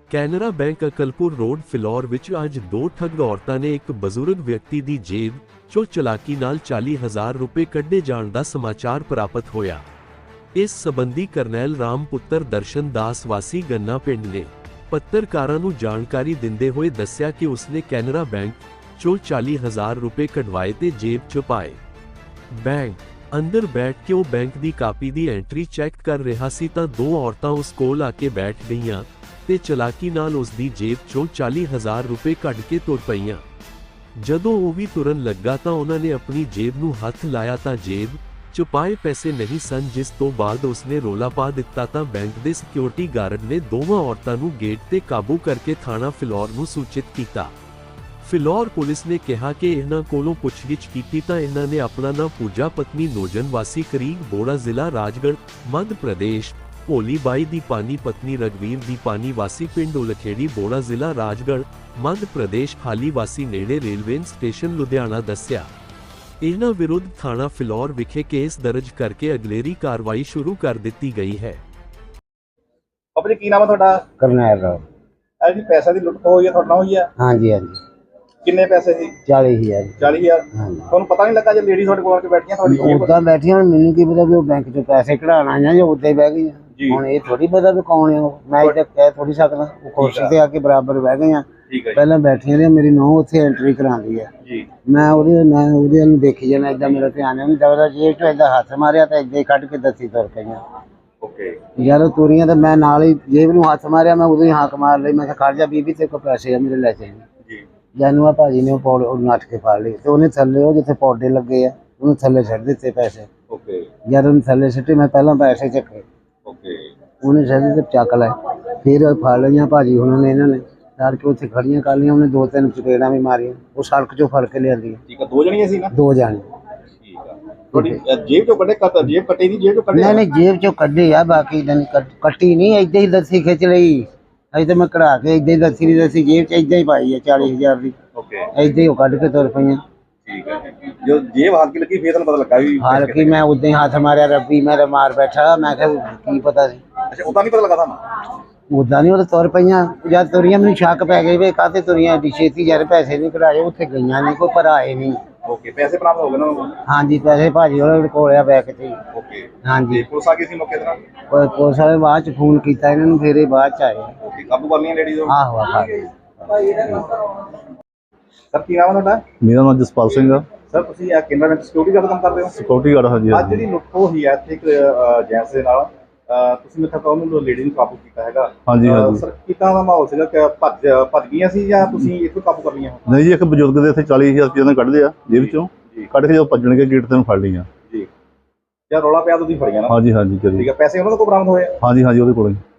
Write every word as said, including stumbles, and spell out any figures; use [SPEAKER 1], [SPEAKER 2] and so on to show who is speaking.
[SPEAKER 1] Canara bank Akalpur road Phillaur ਵਿੱਚ ਅੱਜ ਦੋ ਠੱਗ ਔਰਤਾਂ ਨੇ ਇੱਕ ਬਜ਼ੁਰਗ ਵਿਅਕਤੀ ਦੀ ਜੇਬ ਚੋਂ ਚਲਾਕੀ ਨਾਲ ਚਾਲੀ ਹਜ਼ਾਰ ਰੁਪਏ ਕੱਢੇ ਜਾਣ ਦਾ ਸਮਾਚਾਰ ਪ੍ਰਾਪਤ ਹੋਇਆ। ਇਸ ਸਬੰਧੀ ਕਰਨੈਲ ਰਾਮ ਪੁੱਤਰ ਦਰਸ਼ਨ ਦਾਸ ਵਾਸੀ ਗੰਨਾ ਪਿੰਡ ਨੇ ਪੱਤਰਕਾਰਾਂ ਨੂੰ ਜਾਣਕਾਰੀ ਦਿੰਦੇ ਹੋਏ ਦੱਸਿਆ ਕਿ ਉਸਨੇ ਕੈਨਰਾ ਬੈਂਕ ਚੋਂ ਚਾਲੀ ਹਜ਼ਾਰ ਰੁਪਏ ਕਢਵਾਏ ਤੇ ਜੇਬ 'ਚ ਪਾਏ। ਬੈਂਕ ਅੰਦਰ ਬੈਠ ਕੇ ਉਹ ਬੈਂਕ ਦੀ ਕਾਪੀ ਦੀ ਐਂਟਰੀ ਚੈੱਕ ਕਰ ਰਿਹਾ ਸੀ ਤਾਂ ਦੋ ਔਰਤਾਂ ਉਸ ਕੋਲ ਆ ਕੇ ਬੈਠ ਗਈਆਂ ਤੇ ਚਲਾਕੀ ਨਾਲ ਉਸ ਦੀ ਜੇਬ 'ਚੋਂ ਚਾਲੀ ਹਜ਼ਾਰ ਰੁਪਏ ਕੱਢ ਕੇ ਤੁਰ ਪਈਆਂ। ਜਦੋਂ ਉਹ ਵੀ ਤੁਰਨ ਲੱਗਾ ਤਾਂ ਉਹਨਾਂ ਨੇ ਆਪਣੀ ਜੇਬ ਨੂੰ ਹੱਥ ਲਾਇਆ ਤਾਂ ਜੇਬ 'ਚ ਪਾਏ ਪੈਸੇ ਨਹੀਂ ਸਨ, ਜਿਸ ਤੋਂ ਬਾਅਦ ਉਸਨੇ ਰੌਲਾ ਪਾ ਦਿੱਤਾ ਤਾਂ ਬੈਂਕ ਦੇ ਸਿਕਿਉਰਿਟੀ ਗਾਰਡ ਨੇ ਦੋਵਾਂ ਔਰਤਾਂ ਨੂੰ ਗੇਟ ਤੇ ਕਾਬੂ ਕਰਕੇ ਥਾਣਾ ਫਿਲੌਰ ਨੂੰ ਸੂਚਿਤ ਕੀਤਾ। ਫਿਲੌਰ ਪੁਲਿਸ ਨੇ ਕਿਹਾ ਕਿ ਇਹਨਾਂ ਕੋਲੋਂ ਪੁੱਛਗਿੱਛ ਕੀਤੀ ਤਾਂ ਇਹਨਾਂ ਨੇ ਆਪਣਾ ਨਾਂ ਪੂਜਾ ਪਤਨੀ ਨੋਜਨ ਵਾਸੀ ਕਰੀਬ ਬੋੜਾ ਜ਼ਿਲ੍ਹਾ ਰਾਜਗੜ੍ਹ ਮੱਧ ਪ੍ਰਦੇਸ਼, ਭੋਲੀ ਬਾਈ ਦੀ ਪਾਨੀ ਪਤਨੀ ਰਗਵੀਰ ਦੀ ਪਾਨੀ ਵਾਸੀ ਪਿੰਡ ਉਲਖੇੜੀ ਬੋੜਾ ਜ਼ਿਲ੍ਹਾ ਰਾਜਗੜ੍ਹ ਮੱਧ ਪ੍ਰਦੇਸ਼ ਹਾਲੀ ਵਾਸੀ ਨੇੜੇ ਰੇਲਵੇ ਸਟੇਸ਼ਨ ਲੁਧਿਆਣਾ ਦੱਸਿਆ। ਇਹਨਾਂ ਵਿਰੁੱਧ ਥਾਣਾ ਫਿਲੌਰ ਵਿਖੇ ਕੇਸ ਦਰਜ ਕਰਕੇ ਅਗਲੇਰੀ ਕਾਰਵਾਈ ਸ਼ੁਰੂ ਕਰ ਦਿੱਤੀ ਗਈ ਹੈ।
[SPEAKER 2] ਆਪਣੇ ਕੀ ਨਾਮ ਹੈ ਤੁਹਾਡਾ?
[SPEAKER 3] ਕਰਨੈਲ ਰਾਮ।
[SPEAKER 2] ਇਹ ਜੀ ਪੈਸੇ ਦੀ ਲੁੱਟ ਹੋਈ ਹੈ ਤੁਹਾਡੇ ਨਾਲ ਹੋਈ ਹੈ?
[SPEAKER 3] ਹਾਂਜੀ ਹਾਂਜੀ।
[SPEAKER 2] ਕਿੰਨੇ ਪੈਸੇ ਸੀ?
[SPEAKER 3] ਚਾਲੀ ਹਜ਼ਾਰ।
[SPEAKER 2] ਚਾਲੀ ਹਜ਼ਾਰ।
[SPEAKER 3] ਹਾਂਜੀ।
[SPEAKER 2] ਤੁਹਾਨੂੰ ਪਤਾ ਨਹੀਂ ਲੱਗਾ ਜੇ ਲੇਡੀ ਤੁਹਾਡੇ ਕੋਲ ਆ ਕੇ ਬੈਠੀਆਂ ਤੁਹਾਡੀ?
[SPEAKER 3] ਉਦਾਂ ਬੈਠੀਆਂ, ਮੈਨੂੰ ਕੀ ਪਤਾ ਵੀ ਉਹ ਬੈਂਕ ਚੋਂ ਪੈਸੇ ਕਢਾਉਣ ਆਈਆਂ ਜਾਂ ਉੱਦਾਂ ਹੀ ਬਹਿ ਗਈਆਂ। ਹੁਣ ਇਹ ਥੋੜੀ ਪਤਾ ਵੀ ਕੌਣ ਹੈ ਉਹ, ਮੈਂ ਇੱਥੇ ਕਹਿ ਥੋੜੀ ਸਕਦਾ। ਉਹ ਕੁਰਸੀ ਤੇ ਆ ਕੇ ਬਰਾਬਰ ਬਹਿ ਗਈਆਂ। ਪਹਿਲਾਂ ਬੈਠੀਆਂ ਨੇ, ਮੇਰੀ ਨੂੰਹ ਉੱਥੇ ਐਂਟਰੀ ਕਰਾਉਂਦੀ ਹੈ ਜੀ। ਮੈਂ ਉਹਦੇ ਮੈਂ ਉਹਦੇ ਨੂੰ ਦੇਖੀ ਜਾਣਾ, ਏਦਾਂ ਮੇਰਾ ਧਿਆਨ ਨਹੀਂ ਦਵਦਾ। ਜੇਬ ਚੋਂ ਏਦਾਂ ਹੱਥ ਮਾਰਿਆ ਤਾਂ ਏਦਾਂ ਹੀ ਕੱਢ ਕੇ ਦੱਸੀ ਤੁਰ ਪਈਆਂ।
[SPEAKER 2] ਓਕੇ।
[SPEAKER 3] ਯਾਰ ਤੁਰੀਆਂ ਤਾਂ ਮੈਂ ਨਾਲ ਹੀ ਜੇਬ ਨੂੰ ਹੱਥ ਮਾਰਿਆ, ਮੈਂ ਉਦੋਂ ਹੀ ਹਾਕ ਮਾਰ ਲਈ। ਮੈਂ ਕਿਹਾ ਖੜ ਜਾ ਬੀਬੀ, ਤੇ ਕੋ ਪੈਸੇ ਆ ਮੇਰੇ ਲੈ ਚਾਹੀਦੇ ਜੀ। ਜਾਨੂੰ ਆ ਭਾਜੀ ਨੇ ਉਹ ਪੌੜ ਉਹ ਨੱਠ ਕੇ ਫੜ ਲਈ ਤੇ ਉਹਨੇ ਥੱਲੇ ਉਹ ਜਿੱਥੇ ਪੌਡੇ ਲੱਗੇ ਆ ਉਹਨੂੰ ਥੱਲੇ ਛੱਡ ਦਿੱਤੇ ਪੈਸੇ।
[SPEAKER 2] ਓਕੇ।
[SPEAKER 3] ਜਦ ਉਹਨੇ ਥੱਲੇ ਸਿੱਟੇ, ਮੈਂ ਪਹਿਲਾਂ ਪੈਸੇ ਚੱਕੇ।
[SPEAKER 2] ਓਕੇ। ਉਹਨੇ
[SPEAKER 3] ਛੱਡ ਦਿੱਤੇ, ਚੱਕ ਲਏ। ਫਿਰ ਫੜ ਲਈਆਂ ਭਾਜੀ ਉਹਨਾਂ ਨੇ, ਇਹਨਾਂ ਨੇ ਡਰ ਕੇ ਉੱਥੇ ਖੜੀਆਂ ਕਰ ਲਈਆਂ। ਉਹਨੇ ਦੋ ਤਿੰਨ ਚਪੇੜਾਂ ਵੀ ਮਾਰੀਆਂ, ਉਹ ਸੜਕ ਚੋਂ ਫੜ ਕੇ ਲਿਆਂਦੀਆਂ।
[SPEAKER 2] ਠੀਕ ਆ। ਦੋ ਜਣੀਆਂ ਸੀ ਨਾ? ਦੋ
[SPEAKER 3] ਜਾਣੇ।
[SPEAKER 2] ਠੀਕ ਆ। ਤੁਹਾਡੀ ਜੇਬ ਚੋਂ ਕੱਢੇ? ਕੱਟ ਜੇਬ ਕੱਟੀ ਨਹੀਂ, ਜੇਬ ਚੋਂ ਕੱਢੇ?
[SPEAKER 3] ਨਹੀਂ ਨਹੀਂ, ਜੇਬ ਚੋਂ ਕੱਢੇ ਆ, ਬਾਕੀ ਕੱਟੀ ਨਹੀਂ, ਏਦਾਂ ਹੀ ਦੱਸੀ ਖਿੱਚ ਲਈ। ਅਜੇ ਤਾਂ ਮੈਂ ਕਢਾ ਕੇ ਏਦਾਂ ਹੀ ਦੱਸੀ ਨਹੀਂ ਦੱਸੀ, ਜੇਬ ਚ ਏਦਾਂ ਹੀ ਪਾਈ ਆ ਚਾਲੀ ਹਜ਼ਾਰ ਦੀ।
[SPEAKER 2] ਓਕੇ।
[SPEAKER 3] ਏਦਾਂ ਹੀ ਉਹ ਕੱਢ ਕੇ ਤੁਰ ਪਈਆਂ।
[SPEAKER 2] ਠੀਕ ਹੈ। ਜੋ ਜੇਬ ਹਲਕੀ ਲੱਗੀ ਫੇਰ ਤੁਹਾਨੂੰ ਪਤਾ ਲੱਗਾ ਵੀ
[SPEAKER 3] ਹਲਕੀ? ਮੈਂ ਉਦਾਂ ਹੀ ਹੱਥ ਮਾਰਿਆ, ਰੱਬੀ ਮੈਂ ਮਾਰ ਬੈਠਾ। ਮੈਂ ਕਿਹਾ ਕੀ ਪਤਾ ਸੀ।
[SPEAKER 2] ਅੱਛਾ, ਉਦਾਂ ਨਹੀਂ ਪਤਾ ਲੱਗਾ ਤੁਹਾਨੂੰ?
[SPEAKER 3] ਉਦਾਂ ਨਹੀਂ, ਉਹ ਤਾਂ ਤੁਰ ਪਈਆਂ। ਜਦ ਤੁਰੀਆਂ ਮੈਨੂੰ ਸ਼ੱਕ ਪੈ ਗਏ ਵੀ ਕਾਹਤੇ ਤੁਰੀਆਂ ਏਡੀ ਛੇਤੀ, ਯਾਰ ਪੈਸੇ ਨਹੀਂ ਕਢਾਏ। ਉੱਥੇ ਗਈਆਂ ਨਹੀਂ, ਕੋਈ ਭਰਾਏ ਨਹੀਂ।
[SPEAKER 2] ਓਕੇ। ਪੈਸੇ ਬਰਾਮਦ ਹੋ ਗਏ ਨਾ?
[SPEAKER 3] ਹਾਂਜੀ, ਪੈਸੇ ਭਾਜੀ ਉਹਨੇ ਕੋਲ ਆ ਬੈਗ ਤੇ।
[SPEAKER 2] ਓਕੇ।
[SPEAKER 3] ਹਾਂਜੀ।
[SPEAKER 2] ਪੁਲਿਸ ਆ ਗਈ ਸੀ ਮੌਕੇ ਤੇ?
[SPEAKER 3] ਕੋਈ ਪੁਲਿਸ ਵਾਲੇ ਬਾਅਦ ਚ ਫੋਨ ਕੀਤਾ ਇਹਨਾਂ ਨੂੰ, ਫਿਰ ਇਹ ਬਾਅਦ ਚ ਆਏ।
[SPEAKER 2] ਓਕੇ। ਕਾਬੂ ਕਰ ਲਈਆਂ ਲੇਡੀਜ਼ ਨੂੰ?
[SPEAKER 3] ਆਹੋ ਆਹੋ।
[SPEAKER 2] ਸਰ ਕੀ ਨਾਮ ਹੈ ਤੁਹਾਡਾ?
[SPEAKER 4] ਮੇਰਾ ਨਾਮ ਜਸਪਾਲ ਸਿੰਘ ਆ।
[SPEAKER 2] ਸਰ ਤੁਸੀਂ ਆ ਕੇਨਰਾ ਬੈਂਕ ਸਿਕਿਉਰਿਟੀ ਗਾਰਡ ਕੰਮ ਕਰਦੇ ਹੋ?
[SPEAKER 4] Security guard. ਹਾਂਜੀ।
[SPEAKER 2] ਅੱਜ ਜਿਹੜੀ ਲੁੱਟ ਹੋਈ ਹੈ ਇੱਥੇ ਇੱਕ ਜੈਂਟਸ ਦੇ ਨਾਲ, ਤੁਸੀਂ ਮੇਰੇ ਤੱਕ ਉਹਨੂੰ ਲੇਡੀ ਨੂੰ ਕਾਬੂ ਕੀਤਾ ਹੈਗਾ?
[SPEAKER 4] ਹਾਂਜੀ ਹਾਂਜੀ।
[SPEAKER 2] ਸਰ ਕਿੱਦਾਂ ਦਾ ਮਾਹੌਲ ਸੀਗਾ? ਕਿ ਭੱਜ ਭੱਜ ਗਈਆਂ ਸੀ ਜਾਂ ਤੁਸੀਂ ਇੱਥੋਂ ਕਾਬੂ ਕਰ ਲਈਆਂ?
[SPEAKER 4] ਨਹੀਂ ਜੀ, ਇੱਕ ਬਜ਼ੁਰਗ ਦੇ ਇੱਥੇ ਚਾਲੀ ਹਜ਼ਾਰ ਰੁਪਏ ਨਾਲ ਕੱਢਦੇ ਆ ਜੇਬ ਚੋਂ, ਕੱਢ ਕੇ ਜਦੋਂ ਭੱਜਣਗੇ ਗੇਟ ਤੇ ਨੂੰ ਫੜ ਲਈਆਂ ਜੀ।
[SPEAKER 2] ਜਾਂ ਰੌਲਾ ਪਿਆ ਤੁਸੀਂ ਫੜੀਆਂ ਨਾ?
[SPEAKER 4] ਹਾਂਜੀ ਹਾਂਜੀ।
[SPEAKER 2] ਠੀਕ ਹੈ। ਪੈਸੇ ਉਹਨਾਂ ਦੇ ਕੋਲ ਬਰਾਮਦ ਹੋਏ?
[SPEAKER 4] ਹਾਂਜੀ ਹਾਂਜੀ, ਉਹਦੇ ਕੋਲ ਹੀ।